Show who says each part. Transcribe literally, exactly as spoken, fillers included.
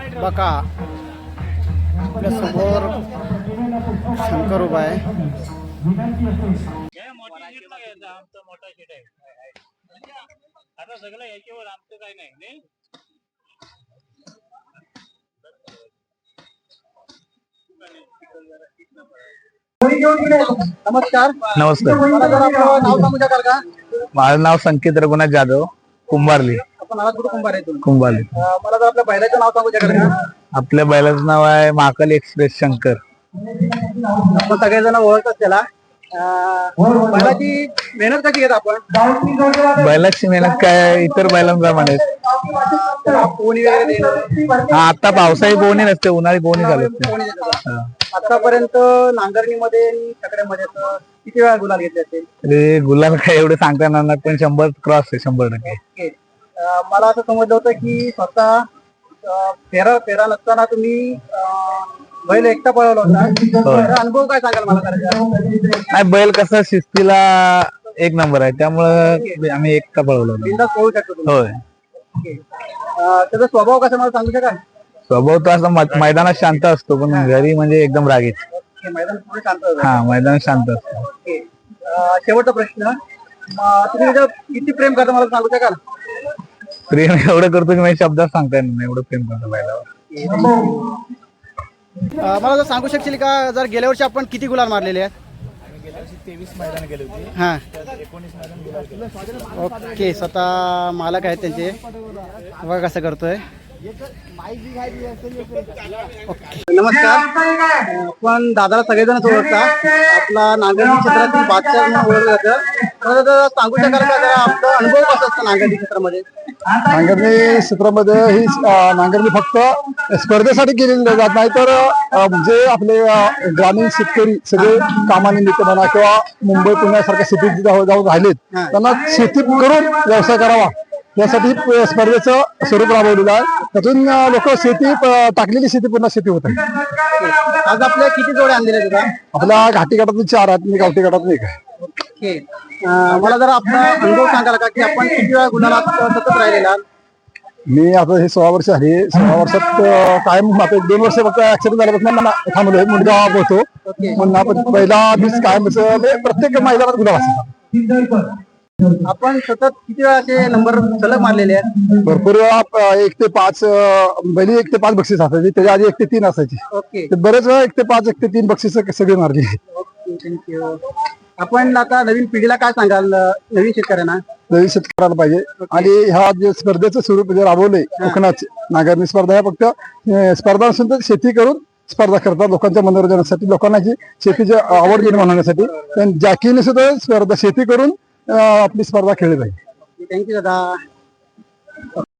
Speaker 1: बघा आपल्या समोर शंकर उभा आहे.
Speaker 2: आता सगळं याच्यावर आमचं काही नाही.
Speaker 1: नमस्कार.
Speaker 3: नमस्कार.
Speaker 1: मला जरा आपलं नाव सांगू शकाल का?
Speaker 3: माझं नाव संकेत रघुनाथ जाधव, कुंभारली.
Speaker 1: आपण आलात कुठं कुंभार आहे तुम्ही?
Speaker 3: कुंभारली.
Speaker 1: अं, मला जर आपल्या बैलाचं नाव सांगू शकाल का?
Speaker 3: आपल्या बैलाचं नाव आहे महाकाली एक्सप्रेस शंकर.
Speaker 1: आपण सगळेजण ओळखतात त्याला. अं, बैलाची मेहनत कशी घेत आपण?
Speaker 3: बैलाची मेहनत काय इतर बैलांप्रमाणे
Speaker 1: पोहणी वगैरे देणं.
Speaker 3: हा, आता पावसाळी पोहणी नसते, उन्हाळी पोहणी चालत
Speaker 1: पोहणी देतात. आतापर्यंत नांगरणीमध्ये आणि छकड्यामध्ये असं किती वेळा गुलाल घेतले असेल?
Speaker 3: ते गुलाल काय एवढे सांगता येणार नाही, पण शंभर क्रॉस आहे, शंभर टक्के.
Speaker 1: ओके. अं, मला असं समजलं होतं की स्वतः अं, फेरा फेरा नसताना तुम्ही अं, बैल एकटा पळवला होता. तर अनुभव काय सांगाल मला करायचा?
Speaker 3: नाही, बैल कसं शिस्तीला एक नंबर आहे, त्यामुळं आम्ही एकटा पळवलो.
Speaker 1: बिनधास्त पळू शकतो तुम्ही.
Speaker 3: होय.
Speaker 1: ओके. अं, त्याचा स्वभाव कसा मला सांगू शकाल?
Speaker 3: स्वभाव तो असा मै- मैदानात शांत असतो, पण घरी म्हणजे एकदम रागीत.
Speaker 1: ओके, मैदान पुढे शांत होतं.
Speaker 3: हा, मैदानात शांत असतो.
Speaker 1: ओके. अं, शेवटचा प्रश्न, म, तुम्ही त्याचं किती प्रेम करता मला सांगू शकाल?
Speaker 3: प्रेम एवढं करतो की माझ्या शब्दात सांगता येणार नाही, एवढं प्रेम करतो बैलावर.
Speaker 1: अं, मला जर सांगू शकशील का, जर गेल्या वर्षी आपण किती गुलाल मारलेले आहेत?
Speaker 3: तेवीस मैदान गेले होते.
Speaker 1: हा.
Speaker 3: एकोणीस मैदान.
Speaker 1: ओके. स्वतः मालक आहेत त्यांचे. बघा कसं करतोय. ओके. नमस्कार. आपण दादाला सगळेजण ओळखता. आपला नांगरणी क्षेत्रातील बादशाह म्हणून ओळखलं जातं. मला जरा सांगू शकाल का, जरा आपला अनुभव कसा असतो नांगरणी क्षेत्रामध्ये?
Speaker 4: नांगरणी क्षेत्रामध्ये ही अं, नांगरणी फक्त स्पर्धेसाठी केलेली जात नाही, तर अं, जे आपले अं, ग्रामीण शेतकरी सगळे कामानिमित्त म्हणा किंवा मुंबई पुण्यासारख्या सिटीत जाऊन जाऊन राहिलेत, त्यांना शेती करून व्यवसाय करावा यासाठी स्पर्धेचं स्वरूप राबवलेलं आहे. त्यातून लोक शेती प- टाकलेली शेती पुन्हा शेती होत आहे.
Speaker 1: आज आपल्या किती जोड्या आणलेल्या आहेत दादा?
Speaker 4: आपल्या घाटी गटातून चार आहेत, मी गावठी गटातून एक आहे.
Speaker 1: ओके. अं, मला जरा आपला अनुभव सांगाल का, की आपण किती वेळा गुन्ह्यात सतत राहिलेला?
Speaker 4: मी आता हे सोळा वर्ष झाली. सोळा वर्षात अं, कायम आता एक दोन वर्ष फक्त ऍक्सिडेंट झाल्यापासून थांबलोय. मुलगा होतो म्हणून आपण पहिला दिवस कायम म्हणजे प्रत्येक मैदानात गुलाल असतात.
Speaker 1: आपण सतत किती वेळा असे नंबर सलग मारलेले आहेत?
Speaker 4: भरपूर वेळा अं, एक ते पाच अं, पहिली एक ते पाच बक्षीस असायची, त्याच्या आधी एक ते तीन असायची.
Speaker 1: ओके.
Speaker 4: ते बरेच वेळा एक ते पाच एक ते तीन बक्षीस सगळे मारली.
Speaker 1: Okay, thank you. आपण आता नवीन पिढीला काय सांगाल, नवीन शेतकऱ्यांना?
Speaker 4: नवीन शेतकऱ्याला पाहिजे. आणि ह्या जे स्पर्धेचं स्वरूप जे राबवलंय कोकणात नांगरणी स्पर्धा, ह्या फक्त अं, स्पर्धा नसून तर शेती करून स्पर्धा करतात लोकांच्या मनोरंजनासाठी, लोकांना जी शेतीची आवड निर्माण होण्यासाठी. जॅकीने सुद्धा स्पर्धा शेती करून अं, आपली स्पर्धा खेळली पाहिजे.
Speaker 1: थँक्यू दादा.